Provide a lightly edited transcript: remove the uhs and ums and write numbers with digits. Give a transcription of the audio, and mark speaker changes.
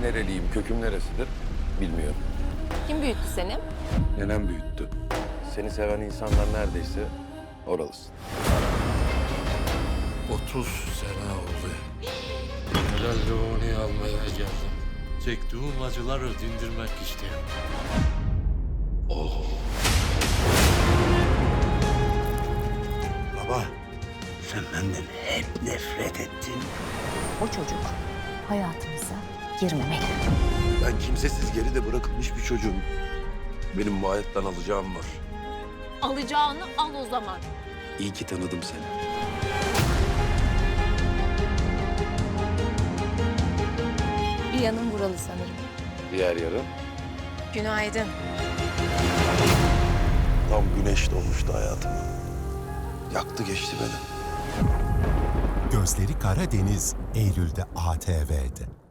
Speaker 1: nereliyim, köküm neresidir bilmiyorum.
Speaker 2: Kim büyüttü seni?
Speaker 1: Nenem büyüttü. Seni seven insanlar neredeyse oralısın.
Speaker 3: 30 sene oldu. Helalliğini almaya geldim. Çektiğim acıları dindirmek istiyorum. Oğlum.
Speaker 4: Baba, sen benden hep nefret ettin.
Speaker 2: O çocuk hayatımıza girmemeli.
Speaker 1: Ben kimsesiz geride bırakılmış bir çocuğum. Benim bu hayattan alacağım var.
Speaker 2: Alacağını al o zaman.
Speaker 1: İyi ki tanıdım seni.
Speaker 2: Bir yanın buralı sanırım.
Speaker 1: Diğer yarın
Speaker 2: Günaydın.
Speaker 1: tam güneş doğmuştu hayatıma. Yaktı geçti beni.
Speaker 5: Gözleri Karadeniz, Eylül'de ATV'de.